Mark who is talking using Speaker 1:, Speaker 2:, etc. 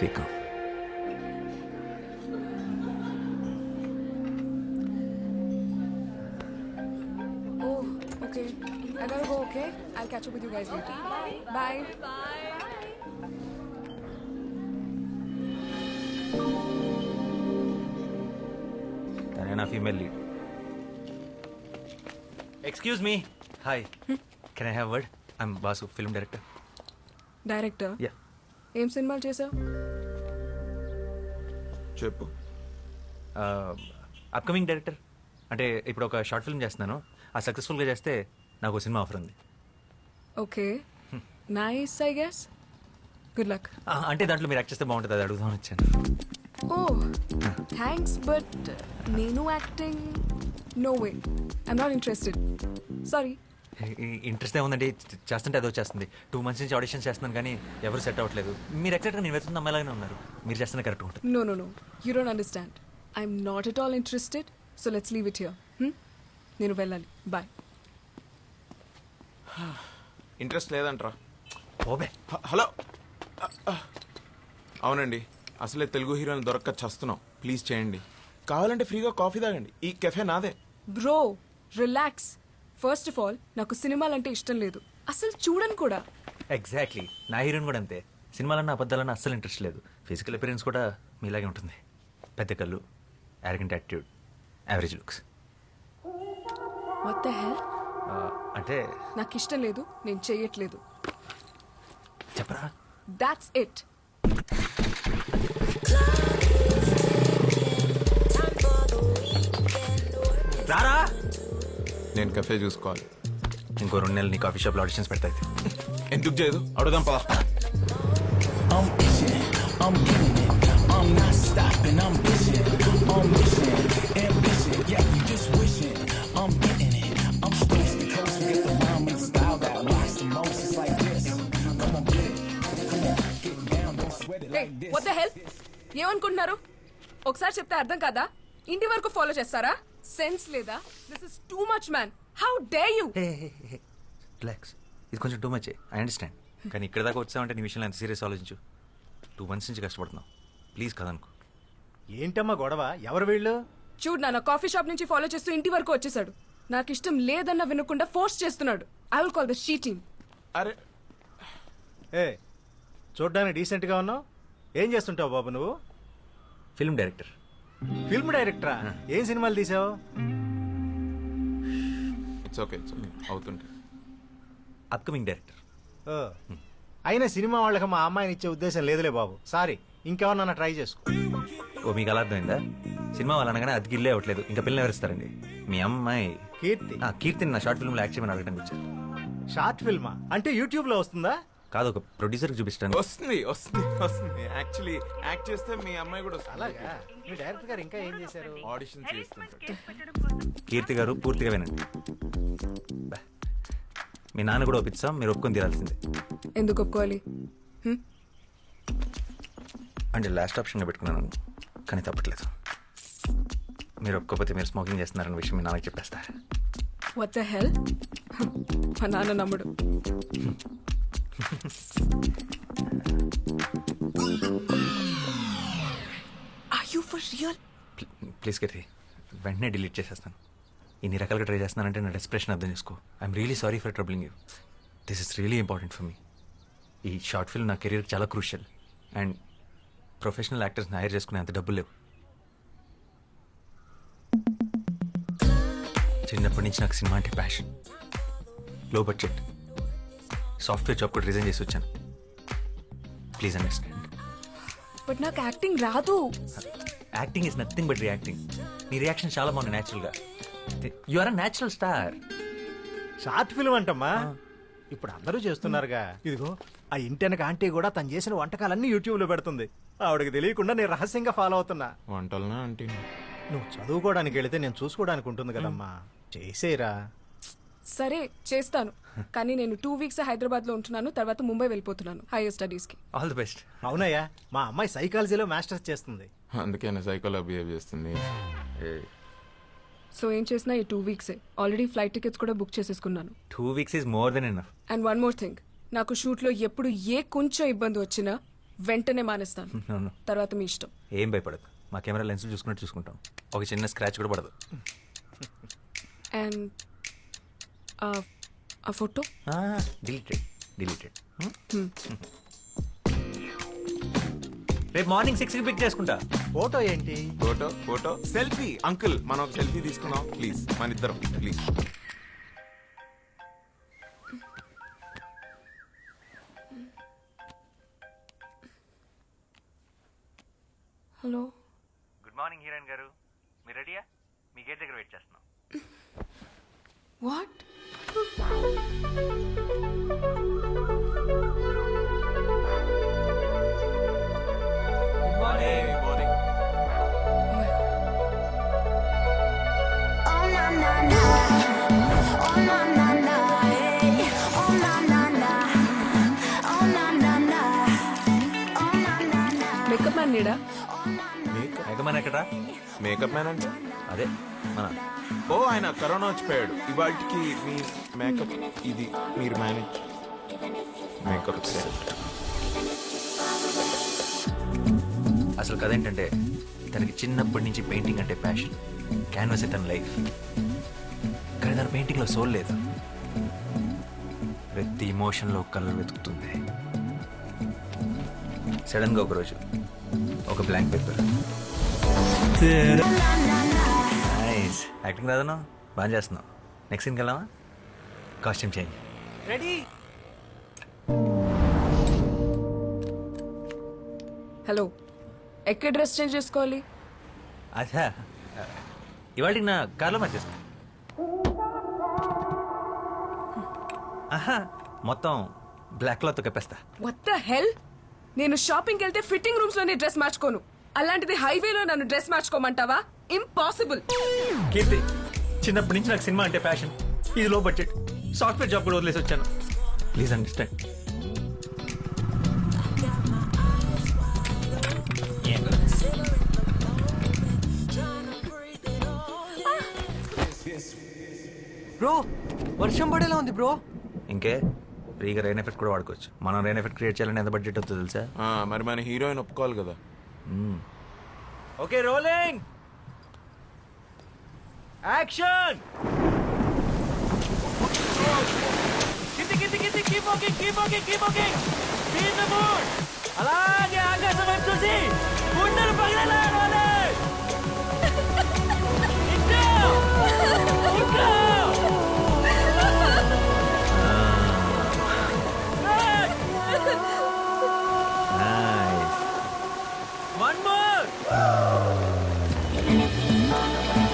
Speaker 1: స్వీకం.
Speaker 2: Oh, okay. I gotta go, okay? I'll catch up with you guys later. Bye.
Speaker 1: తనే నా female lead. Excuse me. Hi, can I have word? I'm Basu, film director.
Speaker 2: Director
Speaker 1: yeah.
Speaker 2: ఏం సినిమాలు చేసావు?
Speaker 3: చెప్పు.
Speaker 1: Upcoming director. అంటే ఇప్పుడు ఒక short film చేస్తున్నాను. ఆ సక్సెస్ఫుల్గా చేస్తే నాకు సినిమా ఆఫర్ ఉంది.
Speaker 2: Okay, nice I guess. Good luck.
Speaker 1: అంటే దాంట్లో మీరు యాక్ట్ చేస్తే బాగుంటుంది, అది అడుగుదామని వచ్చాను.
Speaker 2: ఓ థ్యాంక్స్, బట్ నేను acting no way. I'm not interested, sorry.
Speaker 1: Interest ఏముందండి, చేస్తుంటే అదో చేస్తుంది. 2 months నుంచి ఆడిషన్స్ చేస్తున్నాను కానీ ఎవరు సెట్ అవ్వట్లేదు. మీరు ఎగ్జాక్ట్గా నేను వెతున్న అమ్మాయిలాగానే ఉన్నారు. మీరు చేస్తున్న కరెక్ట్ ఉంటుంది.
Speaker 2: No. You don't understand. I'm not at all interested. So let's leave it here. నేను వెళ్ళాలి. Bye.
Speaker 3: ఇంట్రెస్ట్ లేదంట్రా.
Speaker 1: ఓబే.
Speaker 3: హలో. అవునండి, అసలే తెలుగు హీరోని దొరక్క చస్తున్నాం. ప్లీజ్ చేయండి. కావాలంటే ఫ్రీగా కాఫీ తాగండి. ఈ కెఫే నాదే.
Speaker 2: Bro, relax. First of all నాకు సినిమాలంటే ఇష్టం లేదు, అసలు చూడను కూడా.
Speaker 1: ఎగ్జాక్ట్లీ, నా హీరోయిన్ కూడా అంతే. సినిమాలన్నా అబద్ధాలన్నా అస్సలు ఇంట్రెస్ట్ లేదు. ఫిజికల్ అపిరెన్స్ కూడా మీలాగే ఉంటుంది. పెద్ద కళ్ళు, arrogant attitude, average looks.
Speaker 2: What the hell?
Speaker 1: అంటే
Speaker 2: నాకు ఇష్టం లేదు, నేను చెయ్యట్లేదు.
Speaker 1: చెప్పరా.
Speaker 2: That's it.
Speaker 1: రారా.
Speaker 3: నేను కెఫే చూసుకోవాలి.
Speaker 1: ఇంకో 2 నెలలు నీ కాఫీ షాప్లో ఆడిషన్స్ పెడతాయి.
Speaker 3: ఎందుకు చేయదు? అడుగుదాం పదా.
Speaker 4: I'm itching, I'm getting it, I'm not stopping, I'm pushing, I'm wishing, ambition, yeah, you just wishing, I'm getting it, I'm stressed to coast, get the rhyme and the style that rocks the most, it's like this, come on get it, come on, get down, don't sweat it
Speaker 2: Hey,
Speaker 4: like this.
Speaker 2: what the hell? ఏమనుకుంటున్నారు? ఒకసారి చెప్తే అర్థం కాదా? ఇంటి వరకు follow చేస్తారా? Sense లేదా? This is too much man. How dare you?
Speaker 1: Relax, ఇది కొంచెం టూ మచ్. I understand. కానీ ఇక్కడ దాకా వచ్చామంటే నీ విషయంలో ఎంత సీరియస్ ఆలోచించు. 2 months నుంచి కష్టపడుతున్నావు. ప్లీజ్ కదనుకో.
Speaker 5: ఏంటమ్మా గొడవ? ఎవరు వీళ్ళు?
Speaker 2: చూడు నాన్న, కాఫీ షాప్ నుంచి ఫాలో చేస్తూ ఇంటి వరకు వచ్చేసాడు. నాకు ఇష్టం లేదన్న వినకుండా ఫోర్స్ చేస్తున్నాడు. I will call the she team.
Speaker 3: అరే
Speaker 5: ఏ, చూడ్డానికి డీసెంట్గా ఉన్నావు. ఏం చేస్తుంటావు బాబు నువ్వు?
Speaker 1: Film director.
Speaker 5: ఫిల్మ్ డైరెక్టరా? ఏం సినిమాలు తీసావు?
Speaker 3: ఇట్స్ ఓకే అవుతుంటే.
Speaker 1: Upcoming director.
Speaker 5: ఓ, అయినా సినిమా వాళ్ళకి మా అమ్మాయిని ఇచ్చే ఉద్దేశం లేదులే బాబు. సారీ, ఇంకెవరన్నా ట్రై చేసుకో.
Speaker 1: ఓ, మీకు అలా అర్థమైందా? సినిమా వాళ్ళు అనగానే అది గిల్లే అవ్వట్లేదు. ఇంకా పిల్లలు ఎవరిస్తారండి? మీ అమ్మాయి
Speaker 5: కీర్తి.
Speaker 1: కీర్తిని నా షార్ట్ ఫిల్మ్లో యాక్ట్ చేయమని అడగడానికి వచ్చారు.
Speaker 5: షార్ట్ ఫిల్మా? అంటే యూట్యూబ్లో వస్తుందా?
Speaker 1: కాదు, ఒక ప్రొడ్యూసర్కి చూపిస్తాను.
Speaker 3: వస్తుంది. యాక్చువల్లీ యాక్ట్ చేస్తే మీ అమ్మాయి కూడా వస్తుంది.
Speaker 5: అలాగా? మీ డైరెక్టర్ గారు ఇంకా ఏం చేశారు?
Speaker 3: ఆడిషన్ చేస్తుంటాడు.
Speaker 1: కీర్తి గారు పూర్తిగా వినండి. బా. మీ నాన్న కూడా ఒప్పిస్తాం, మీరు ఒప్పుకొని తీరాల్సిందే.
Speaker 2: ఎందుకు ఒప్పుకోవాలి?
Speaker 1: అంటే లాస్ట్ ఆప్షన్గా పెట్టుకున్నాను, కానీ తప్పట్లేదు. మీరు ఒప్పుకోకపోతే మీరు స్మోకింగ్ చేస్తున్నారన్న విషయం మీ నాన్నకి చెప్పేస్తారు.
Speaker 2: What the hell? మా నాన్న నమ్ముడు. Are you for real?
Speaker 1: Please Keerthi, వెంటనే డిలీట్ చేసేస్తాను. ఇన్ని రకాలుగా ట్రై చేస్తున్నానంటే నా డెస్ప్రెషన్ అర్థం చేసుకో. I'm really sorry for troubling you. This is really important for me. ఈ షార్ట్ ఫిల్మ్ నా కెరీర్ చాలా క్రూషియల్. అండ్ ప్రొఫెషనల్ యాక్టర్స్ని హైర్ చేసుకునే అంత డబ్బులు లేవు. చిన్నప్పటి నుంచి నాకు సినిమా అంటే passion. Low budget software job కూడా రిజైన్ చేసి వచ్చాను. Please understand.
Speaker 2: బట్ నాకు యాక్టింగ్ రాదు.
Speaker 1: Acting is nothing but reacting. నీ రియాక్షన్ చాలా బాగుంది న్యాచురల్గా. You are a natural star.
Speaker 5: Short film అంటమ్మా, ఇప్పుడు అందరూ చేస్తున్నారుగా. ఇదిగో ఆ ఇంటెనక ఆంటీ కూడా తను చేసిన వంటకాలన్నీ యూట్యూబ్లో పెడుతుంది. ఆవిడకి తెలియకుండా నేను రహస్యంగా ఫాలో అవుతున్నా.
Speaker 3: వంటలనా అంటే
Speaker 5: నువ్వు చదువుకోవడానికి వెళితే నేను చూసుకోవడానికి ఉంటుంది కదమ్మా. చేసేరా.
Speaker 2: సరే చేస్తాను, కానీ నేను 2 weeks హైదరాబాద్ లో ఉంటున్నాను. తర్వాత ముంబై వెళ్ళిపోతున్నాను హైయర్ స్టడీస్ కి.
Speaker 1: All the best.
Speaker 5: అవునయ్యా, మా అమ్మాయి సైకాలజీలో మాస్టర్స్ చేస్తుంది.
Speaker 3: అందుకే సైకోలా బిహేవ్ చేస్తుంది.
Speaker 2: సో ఏం చేసినా ఈ 2 weeks ఆల్రెడీ ఫ్లైట్ టికెట్స్ కూడా బుక్ చేసేసుకున్నాను.
Speaker 1: 2 weeks is more than enough.
Speaker 2: And one more thing, నాకు షూట్ లో ఎప్పుడు ఏ కొంచెం ఇబ్బంది వచ్చినా వెంటనే మానేస్తాను
Speaker 1: No, no.
Speaker 2: తర్వాత మీ ఇష్టం.
Speaker 1: ఏం భయపడదు, మా కెమెరా లెన్స్ చూసుకున్నట్టు చూసుకుంటాం. ఒక చిన్న స్క్రాచ్ కూడా పడదు.
Speaker 2: అండ్ ఆ ఫోటో
Speaker 1: డిలీటెడ్. రేపు మార్నింగ్ 6కి పిక్ చేసుకుంటా.
Speaker 5: ఫోటో ఏంటి?
Speaker 3: Photo selfie. అంకుల్ మనం ఒక సెల్ఫీ తీసుకుందాం ప్లీజ్, మన ఇద్దరం please.
Speaker 2: Hello.
Speaker 1: Good morning heroine గారు, మీరు రెడీయా? మీ గేట్ దగ్గర వెయిట్ చేస్తున్నాం.
Speaker 2: What?
Speaker 3: Morning.
Speaker 6: Oh na na na, oh na na na, hey. Oh na na na, oh na na na, oh na na na.
Speaker 2: Makeup man నీడా?
Speaker 1: ఎగమని ఎక్కడా?
Speaker 3: Makeup man అంటే
Speaker 1: అదే మన
Speaker 3: ఓ ఆయన కరోనా వచ్చిపోయాడు. ఇవాటికి మీ మేకప్ ఇది మీరు మేనేజ్ మేకప్
Speaker 1: అసలు కథ ఏంటంటే, తనకి చిన్నప్పటి నుంచి పెయింటింగ్ అంటే ప్యాషన్. క్యాన్వాస్ తన లైఫ్. కానీ తన పెయింటింగ్లో సోల్ లేదు. ప్రతి ఇమోషన్లో కలర్ వెతుకుతుంది. సడన్గా ఒకరోజు ఒక బ్లాంక్ పేపర్. నైస్ యాక్టింగ్ రాదను, బాగా చేస్తున్నావు. నెక్స్ట్ సీన్కి వెళ్దామా? Costume change. రెడీ?
Speaker 2: హలో, ఎక్కడ డ్రెస్ చేంజ్ చేసుకోవాలి?
Speaker 1: అచ్చా, ఇవాళ నా కార్లో మార్చేస్తా. ఆహా, మొత్తం బ్లాక్ క్లాత్ కప్పేస్తా.
Speaker 2: What the hell? నేను షాపింగ్కి వెళ్తే ఫిట్టింగ్ రూమ్స్ లోనే డ్రెస్ మార్చుకోను. అలాంటిది హైవేలో నన్ను డ్రెస్ మార్చుకోమంటావా? ఇంపాసిబుల్.
Speaker 1: కీర్తి, చిన్నప్పటి నుంచి నాకు సినిమా అంటే ప్యాషన్. ఇది లో బడ్జెట్, సాఫ్ట్వేర్ జాబ్ కూడా వదిలేసి వచ్చాను. Please understand.
Speaker 7: బ్రో వర్షం పడేలా ఉంది బ్రో.
Speaker 1: ఇంకే ఫ్రీగా రెయిన్ ఎఫెక్ట్ కూడా వాడుకోవచ్చు. మనం రెయిన్ ఎఫెక్ట్ క్రియేట్ చేయాలని ఎంత బడ్జెట్ అవుతుందో తెలుసా?
Speaker 3: మరి మన హీరోయిన్ ఒప్పుకోవాలి కదా.
Speaker 1: Okay, rolling action. అలాగే ఆకాశం వైపు చూసి గుండెలు పగిలేలా. One more!